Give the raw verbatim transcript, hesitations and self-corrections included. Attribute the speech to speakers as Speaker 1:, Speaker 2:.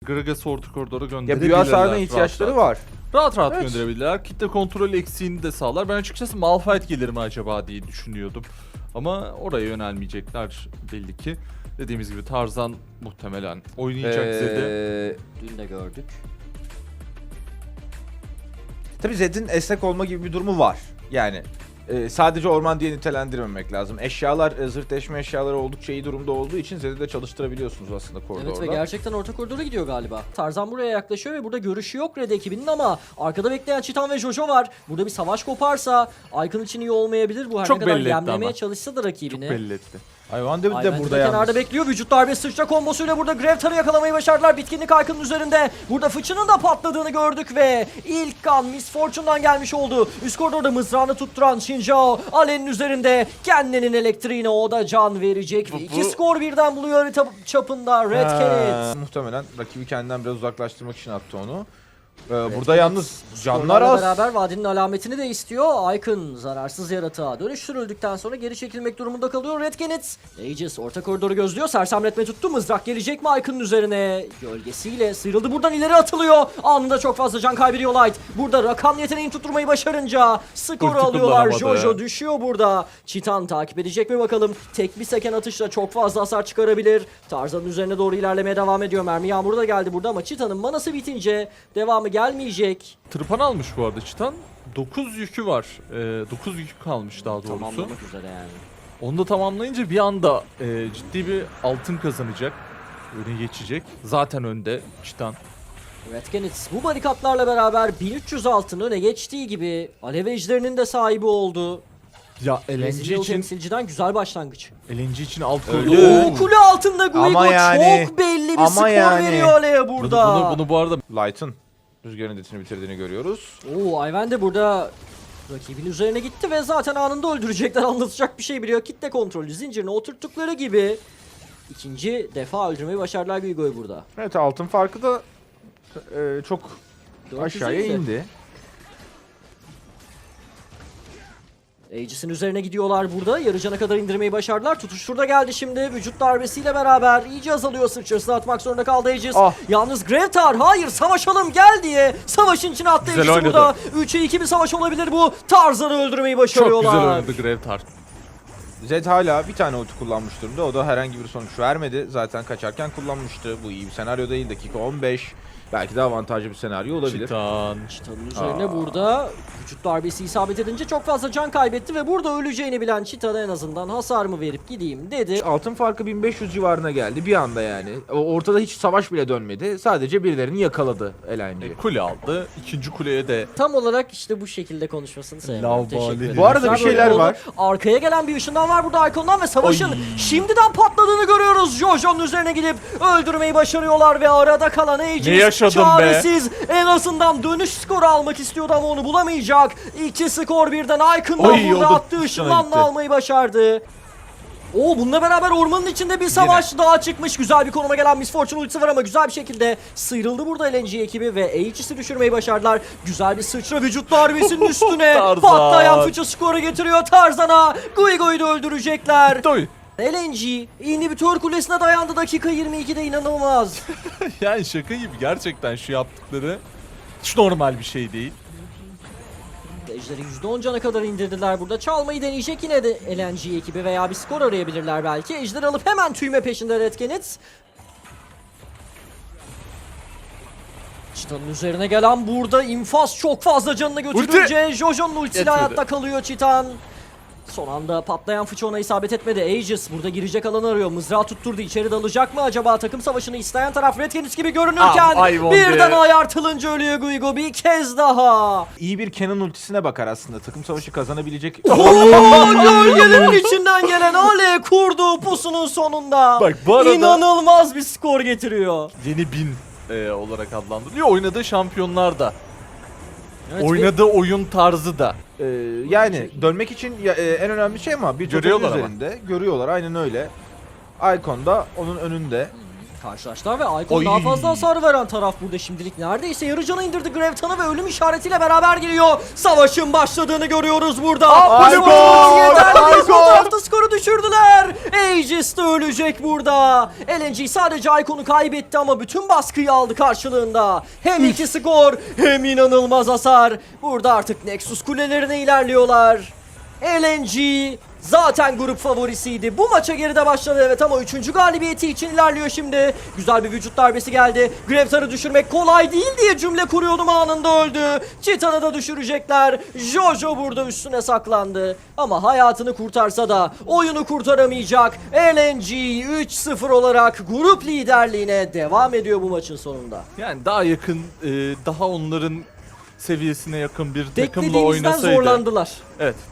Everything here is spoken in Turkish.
Speaker 1: Gragas'ı orta koridora
Speaker 2: Ya
Speaker 1: gönderebilirler.
Speaker 2: büyü hasarına
Speaker 1: rahat
Speaker 2: ihtiyaçları
Speaker 1: rahat.
Speaker 2: var.
Speaker 1: Rahat rahat
Speaker 2: Evet.
Speaker 1: gönderebilirler. Kitle kontrol eksiğini de sağlar. Ben açıkçası Malphite gelir mi acaba diye düşünüyordum. Ama oraya yönelmeyecekler belli ki. Dediğimiz gibi Tarzan muhtemelen oynayacak
Speaker 2: Ee,
Speaker 1: Zed'i.
Speaker 3: Dün de gördük.
Speaker 2: Tabii Zed'in esnek olma gibi bir durumu var. Yani e, sadece orman diye nitelendirmemek lazım. Eşyalar, e, zırh deşme eşyaları oldukça iyi durumda olduğu için Zed'i de çalıştırabiliyorsunuz aslında koridorda.
Speaker 3: Evet ve gerçekten orta koridora gidiyor galiba. Tarzan buraya yaklaşıyor ve burada görüşü yok Red ekibinin ama arkada bekleyen Çitan ve Jojo var. Burada bir savaş koparsa Icon için iyi olmayabilir bu. Her
Speaker 1: Çok
Speaker 3: ne kadar
Speaker 1: belli etti
Speaker 3: yemlemeye
Speaker 1: ama.
Speaker 3: çalışsa da
Speaker 1: Çok
Speaker 3: rakibini.
Speaker 1: belli etti.
Speaker 2: Hayvan David de
Speaker 3: Ayvent
Speaker 2: burada
Speaker 3: de kenarda
Speaker 2: yalnız.
Speaker 3: bekliyor. Vücut darbe sıçra kombosuyla burada Gravetar'ı yakalamayı başardılar. Bitkinlik Icon'un üzerinde. Burada fıçının da patladığını gördük ve ilk kan Miss Fortune'dan gelmiş oldu. Üst koridorda mızrağını tutturan Shinjao Alen'in üzerinde kendinin elektriğine o da can verecek. Ve
Speaker 1: Bu-
Speaker 3: iki
Speaker 1: bu-
Speaker 3: skor birden buluyor harita çapında Red
Speaker 2: Ha,
Speaker 3: Kenneth.
Speaker 2: muhtemelen rakibi kendinden biraz uzaklaştırmak için attı onu. Ee, burada
Speaker 3: Kenneth
Speaker 2: yalnız canlar
Speaker 3: Skorlarla
Speaker 2: az.
Speaker 3: beraber vadinin alametini de istiyor. Icon zararsız yaratığa dönüştürüldükten sonra geri çekilmek durumunda kalıyor Red Kenneth. Aegis orta koridoru gözlüyor. Sersemletme tuttu. Mızrak gelecek mi Icon'un üzerine? Gölgesiyle sıyrıldı. Buradan ileri atılıyor. Anında çok fazla can kaybediyor Light. Burada rakam yeteneğini tutturmayı başarınca skoru
Speaker 1: Ulti
Speaker 3: alıyorlar.
Speaker 1: kullanamadı.
Speaker 3: Jojo düşüyor burada. Çitan takip edecek mi bakalım. Tek bir seken atışla çok fazla hasar çıkarabilir. Tarzan'ın üzerine doğru ilerlemeye devam ediyor. Mermi yağmuru da geldi burada ama Çitan'ın manası bitince devamı gelmeyecek.
Speaker 1: Tırpan almış bu arada Çitan. dokuz yükü var. Ee, dokuz yükü kalmış daha doğrusu.
Speaker 3: Tamamlamak üzere yani.
Speaker 1: Onu da tamamlayınca bir anda e, ciddi bir altın kazanacak. Öne geçecek. Zaten önde Çitan.
Speaker 3: Red Kenneth bu barikatlarla beraber bin üç yüz altın öne geçtiği gibi Alev Ejderinin de sahibi oldu.
Speaker 1: Ya L N G
Speaker 3: Brezilyalı
Speaker 1: için
Speaker 3: temsilciden güzel başlangıç.
Speaker 1: L N G için alt
Speaker 2: Öldü.
Speaker 1: koridor.
Speaker 3: Oo, kule altında Guigo
Speaker 2: Ama yani-
Speaker 3: çok belli bir
Speaker 2: ama
Speaker 3: skor
Speaker 2: yani-
Speaker 3: veriyor Alev'e
Speaker 1: Bunu,
Speaker 3: burada.
Speaker 1: bunu, bunu bu arada
Speaker 2: Light'ın rüzgarın editini bitirdiğini görüyoruz.
Speaker 3: Oo, Ayven de burada rakibin üzerine gitti ve zaten anında öldürecekler, anlatacak bir şey biliyor. Kitle kontrolü zincirine oturttukları gibi ikinci defa öldürmeyi başardılar Guigo'yu burada.
Speaker 2: Evet, altın farkı da e, çok
Speaker 3: dört yüz
Speaker 2: aşağıya
Speaker 3: indi.
Speaker 2: indi.
Speaker 3: Aegis'in üzerine gidiyorlar burada. Yarı cana kadar indirmeyi başardılar. Tutuş şurada geldi şimdi. Vücut darbesiyle beraber iyice azalıyor. Sıçrasını atmak zorunda kaldı Aegis.
Speaker 2: Ah.
Speaker 3: Yalnız Gravetar hayır savaşalım gel diye savaşın içine attı
Speaker 1: Güzel
Speaker 3: Aegis'i
Speaker 1: oynadı.
Speaker 3: burada. üçe iki bir savaş olabilir bu. Tarzan'ı öldürmeyi
Speaker 1: çok
Speaker 3: başarıyorlar.
Speaker 1: güzel oynadı Gravetar.
Speaker 2: Zed hala bir tane ulti kullanmış durumda. O da herhangi bir sonuç vermedi. Zaten kaçarken kullanmıştı. Bu iyi bir senaryo değil. Dakika on beş. Belki de avantajlı bir senaryo olabilir.
Speaker 1: Çitan.
Speaker 3: Çitan'ın üzerine
Speaker 2: Aa.
Speaker 3: burada vücut darbesi isabet edince çok fazla can kaybetti ve burada öleceğini bilen Çitan'a en azından hasarımı verip gideyim dedi.
Speaker 2: Altın farkı bin beş yüz civarına geldi bir anda yani. O- Ortada hiç savaş bile dönmedi. Sadece birilerini yakaladı L N G.
Speaker 1: E, kule aldı. İkinci kuleye de
Speaker 3: Tam olarak işte bu şekilde konuşmasını sevmiyorum.
Speaker 1: Lavabali.
Speaker 3: Teşekkür ederim.
Speaker 2: Bu arada bir
Speaker 3: Güzel
Speaker 2: şeyler
Speaker 3: böyle oldu.
Speaker 2: var.
Speaker 3: Arkaya gelen bir ışından var burada Icon'dan ve savaşın
Speaker 1: Oy.
Speaker 3: şimdiden patladığını görüyoruz. Jojo'nun üzerine gidip öldürmeyi başarıyorlar ve arada kalan Aegis
Speaker 1: Ne yaşadım be?
Speaker 3: çaresiz. En azından dönüş skoru almak istiyordu ama onu bulamayacak. İki skor birden Icon'dan
Speaker 1: Oy,
Speaker 3: burada
Speaker 1: o da
Speaker 3: attığı
Speaker 1: dışına
Speaker 3: ışınlanma
Speaker 1: gitti.
Speaker 3: almayı başardı. Oo, bununla beraber ormanın içinde bir savaş daha çıkmış. Güzel bir konuma gelen Miss Fortune ultisi var ama güzel bir şekilde sıyrıldı burada L N G ekibi ve Aegis'i düşürmeyi başardılar. Güzel bir sıçra vücut darbesinin üstüne
Speaker 1: Tarzan.
Speaker 3: patlayan fıçı skoru getiriyor Tarzan'a. Guigo'yu da öldürecekler.
Speaker 1: Doy.
Speaker 3: L N G inhibitör kulesine dayandı dakika yirmi ikide, inanılmaz.
Speaker 1: Yani şaka gibi gerçekten şu yaptıkları hiç normal bir şey değil.
Speaker 3: Ejderi yüzde on cana kadar indirdiler burada. Çalmayı deneyecek yine de L N G ekibi veya bir skor arayabilirler belki. Ejder alıp hemen tüyme peşinde Red Kenneth. Çitan'ın üzerine gelen burada infaz çok fazla canını götürünce Jojo'nun ultisiyle
Speaker 1: Yetmedi.
Speaker 3: hayatta kalıyor Çitan. Son anda patlayan fıçı ona isabet etmedi. Aegis burada girecek alanı arıyor. Mızrağı tutturdu. İçeri dalacak mı acaba? Takım savaşını isteyen taraf Red Kenneth gibi görünürken
Speaker 1: Ah, Ayvon
Speaker 3: birden
Speaker 1: be.
Speaker 3: ayartılınca ölüyor Guigo bir kez daha.
Speaker 2: İyi bir Kenan ultisine bakar aslında. Takım savaşı kazanabilecek.
Speaker 3: Oo, gölgelerin içinden gelen Ale kurduğu pusunun sonunda.
Speaker 1: Bak, bu arada-
Speaker 3: İnanılmaz bir skor getiriyor.
Speaker 1: Yeni bin e, olarak adlandırılıyor. Oynadığı şampiyonlar da.
Speaker 3: Evet,
Speaker 1: Oynadığı oyun tarzı da.
Speaker 2: Ee, yani dönmek için ya, e, en önemli şey ama bir totalin
Speaker 1: Görüyorlar ama.
Speaker 2: üzerinde görüyorlar, aynen öyle. Icon da onun önünde.
Speaker 3: Karşılaştılar ve Icon
Speaker 1: Oy.
Speaker 3: daha fazla hasar veren taraf burada şimdilik. Neredeyse yarı canı indirdi Graviton'a ve ölüm işaretiyle beraber geliyor. Savaşın başladığını görüyoruz burada.
Speaker 2: Aa,
Speaker 3: Icon!
Speaker 2: Icon!
Speaker 3: Yeterli bir
Speaker 2: Icon!
Speaker 3: fotoğrafta skoru düşürdüler. Aegis de ölecek burada. L N G sadece Icon'u kaybetti ama bütün baskıyı aldı karşılığında. Hem iki skor hem inanılmaz hasar. Burada artık Nexus kulelerine ilerliyorlar. L N G zaten grup favorisiydi. Bu maça geride başladı evet ama üçüncü galibiyeti için ilerliyor şimdi. Güzel bir vücut darbesi geldi. Gravitar'ı düşürmek kolay değil diye cümle kuruyordum, anında öldü. Titan'ı da düşürecekler. Jojo burada üstüne saklandı. Ama hayatını kurtarsa da oyunu kurtaramayacak. L N G üç sıfır olarak grup liderliğine devam ediyor bu maçın sonunda.
Speaker 1: Yani daha yakın, e, daha onların seviyesine yakın bir takımla
Speaker 3: Beklediğimizden
Speaker 1: oynasaydı.
Speaker 3: zorlandılar.
Speaker 1: Evet.